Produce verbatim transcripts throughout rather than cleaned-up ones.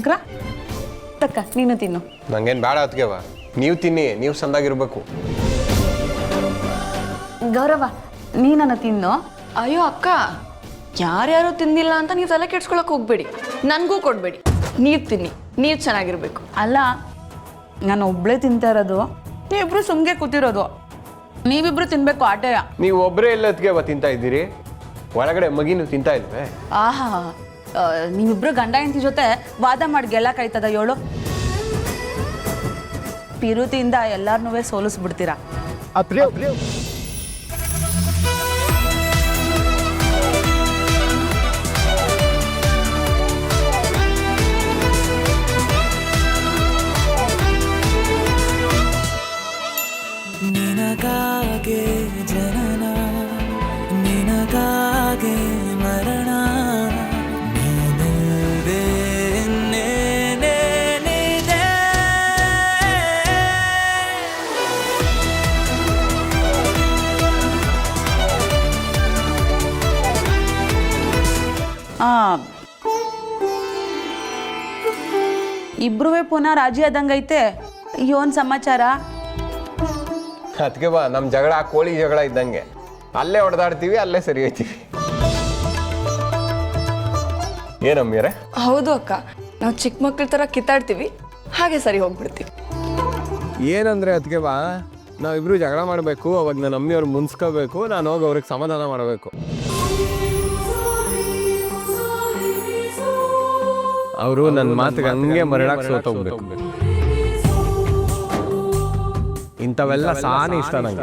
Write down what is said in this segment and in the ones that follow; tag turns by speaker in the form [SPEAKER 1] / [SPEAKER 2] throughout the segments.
[SPEAKER 1] ಶಂಕರ ತಕ್ಕ ನೀನು ತಿನ್ನು.
[SPEAKER 2] ನಂಗೇನು ಬೇಡ ಅದಕ್ಕೆವ, ನೀವು ತಿನ್ನಿ, ನೀವು ಸಂದಾಗಿರ್ಬೇಕು.
[SPEAKER 1] ಗೌರವ ನೀನನ್ನ ತಿನ್ನು.
[SPEAKER 3] ಅಯ್ಯೋ ಅಕ್ಕ, ಯಾರ್ಯಾರು ತಿಂದಿಲ್ಲ ಅಂತ ನೀವು ತಲೆ ಕೆಡ್ಸ್ಕೊಳಕ್ ಹೋಗ್ಬೇಡಿ, ನನಗೂ ಕೊಡ್ಬೇಡಿ. ನೀವು ತಿನ್ನಿ, ನೀವು ಚೆನ್ನಾಗಿರ್ಬೇಕು.
[SPEAKER 1] ಅಲ್ಲ ನಾನು ಒಬ್ಳೇ ತಿಂತಾ ಇರೋದು, ನೀವಿಬ್ರು ಸುಮ್ಗೆ ಕೂತಿರೋದು. ನೀವಿಬ್ರು ತಿನ್ಬೇಕು ಆಟೆಯ.
[SPEAKER 2] ನೀವು ಒಬ್ಬರೇ ಎಲ್ಲ ಅದಕ್ಕೆವ ತಿಂತಾ ಇದ್ದೀರಿ, ಒಳಗಡೆ ಮಗಿನೂ ತಿಂತಾ ಇಲ್ವೇ?
[SPEAKER 1] ಆಹಾ, ನೀವಿಬ್ರು ಗಂಡ ಹೆಂಡತಿ ಜೊತೆ ವಾದ ಮಾಡಿ ಗೆಲ್ಲಕ್ಕಾಯ್ತದ ಏಳು? ಪಿರುತಿಯಿಂದ ಎಲ್ಲಾರನ್ನೂ ಸೋಲಿಸ್ಬಿಡ್ತೀರಾ.
[SPEAKER 4] ನಿನಗಾಗೆ ಜನನ, ನಿನಗಾಗೆ ಮರಣ, ನೀನಿಲ್ದೆ ಇನ್ನೇನೇನಿದೆ?
[SPEAKER 1] ಇಬ್ರು ಪುನಃ ರಾಜಿ ಆದಂಗೈತೆ. ಯೋನ್ ಸಮಾಚಾರ?
[SPEAKER 2] ಅದಕ್ಕೆ ಬಾ, ನಮ್ಮ ಜಗಳ ಕೋಳಿ ಜಗಳ ಇದ್ದಂಗೆ, ಅಲ್ಲೇ ಹೊಡೆದಾಡ್ತೀವಿ, ಅಲ್ಲೇ ಸರಿ ಹೋಯ್ತೀವಿ. ಏನಮ್ಮಿಯರೇ?
[SPEAKER 3] ಹೌದು ಅಕ್ಕ, ನಾವು ಚಿಕ್ಕ ಮಕ್ಳ ಥರ ಕಿತ್ತಾಡ್ತೀವಿ, ಹಾಗೆ ಸರಿ ಹೋಗ್ಬಿಡ್ತೀವಿ.
[SPEAKER 2] ಏನಂದ್ರೆ ಅದಕ್ಕೆ ಬಾ, ನಾವಿಬ್ರು ಜಗಳ ಮಾಡಬೇಕು, ಅವಾಗ ನನ್ನ ಅಮ್ಮಿಯವ್ರು ಮುನ್ಸ್ಕೋಬೇಕು, ನಾನು ಹೋಗಿ ಅವ್ರಿಗೆ ಸಮಾಧಾನ ಮಾಡಬೇಕು. ಅವರು ನನ್ನ ಮಾತಿಗೆ ಹಂಗೆ ಮರಳಾಕ್ ಸೋತೋಗ್ಬೇಕು. ಇಂಥವೆಲ್ಲ ಸಾನಿ ಇಷ್ಟ ನಂಗೆ.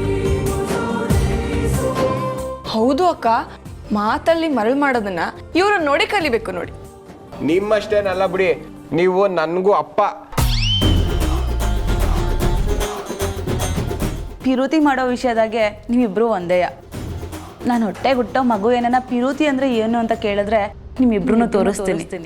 [SPEAKER 3] ಹೌದು ಅಕ್ಕ, ಮಾತಲ್ಲಿ ಮರಳು ಮಾಡೋದನ್ನ ಇವರು ನೋಡಿ ಕಲಿಬೇಕು ನೋಡಿ.
[SPEAKER 2] ನಿಮ್ಮಷ್ಟೇನಲ್ಲ ಬಿಡಿ, ನೀವು ನನಗೂ ಅಪ್ಪ.
[SPEAKER 1] ಪಿರುತಿ ಮಾಡೋ ವಿಷಯದಾಗೆ ನೀವಿಬ್ರು ಒಂದೇಯ. ನಾನು ಹೊಟ್ಟೆ ಹುಟ್ಟೋ ಮಗು ಏನನ್ನ ಪಿರುತಿ ಅಂದ್ರೆ ಏನು ಅಂತ ಕೇಳಿದ್ರೆ ನಿಮ್ಮಿಬ್ರು ತೋರಿಸ್ತೀನಿ.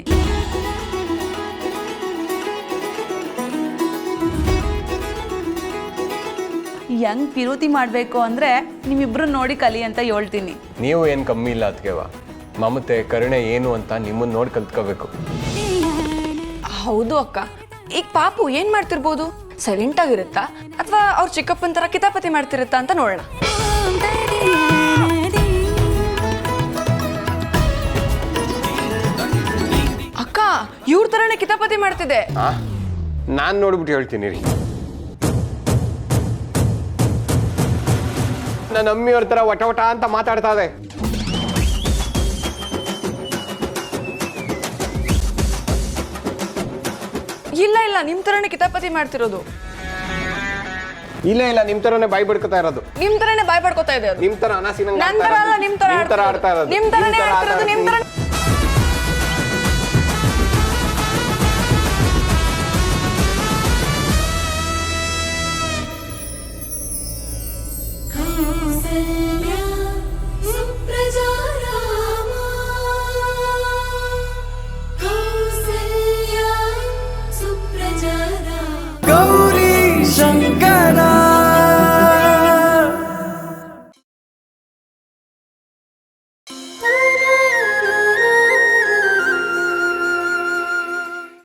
[SPEAKER 1] ಹೆಂಗ್ ಪಿರುತಿ ಮಾಡಬೇಕು ಅಂದ್ರೆ ನಿಮ್ಮಿಬ್ರು ನೋಡಿ ಕಲಿ ಅಂತ ಹೇಳ್ತೀನಿ.
[SPEAKER 2] ನೀವು ಏನು ಕಮ್ಮಿ ಇಲ್ಲ ಅದಕ್ಕೆವ, ಮಮತೆ ಕರುಣೆ ಏನು ಅಂತ ನಿಮ್ಮನ್ನ ನೋಡಿ ಕಲ್ತ್ಕೋಬೇಕು.
[SPEAKER 3] ಹೌದು ಅಕ್ಕ, ಈಗ ಪಾಪು ಏನ್ ಮಾಡ್ತಿರ್ಬೋದು? ಸೈಲೆಂಟ್ ಆಗಿರುತ್ತಾ ಅಥವಾ ಅವ್ರ ಚಿಕ್ಕಪ್ಪನ ತರ ಕಿತಾಪತಿ ಮಾಡ್ತಿರುತ್ತಾ ಅಂತ ನೋಡೋಣ. ಅಕ್ಕ, ಇವ್ರ ತರನೇ ಕಿತಾಪತಿ ಮಾಡ್ತಿದೆ.
[SPEAKER 2] ನಾನು ನೋಡ್ಬಿಟ್ಟು ಹೇಳ್ತೀನಿ ರೀ. ನನ್ನ ಅಮ್ಮಿಯವ್ರ ತರ ವಟ ವಟ ಅಂತ ಮಾತಾಡ್ತಾ ಇದೆ.
[SPEAKER 3] ಇಲ್ಲ ಇಲ್ಲ, ನಿಮ್ ತರನೇ ಕಿತಾಪತಿ ಮಾಡ್ತಿರೋದು.
[SPEAKER 2] ಇಲ್ಲ ಇಲ್ಲ, ನಿಮ್ ತರನೇ ಬಾಯಿ ಬಿಡ್ಕೊತಾ ಇರೋದು.
[SPEAKER 3] ನಿಮ್ ತರನೇ ಬಾಯ್ ಪಡ್ಕೋತಾ ಇದೆ.
[SPEAKER 2] ನಿಮ್ ತರ ಅನಾಸಿನ
[SPEAKER 3] ನನ್ ತರ ಅಲ್ಲ, ನಿಮ್ ತರ
[SPEAKER 2] ಆಡ್ತಾ ಇರೋದು.
[SPEAKER 3] ನಿಮ್ ತರನೇ ಆಡ್ತಿರೋದು, ನಿಮ್ ತರ.
[SPEAKER 4] ಗೌರಿ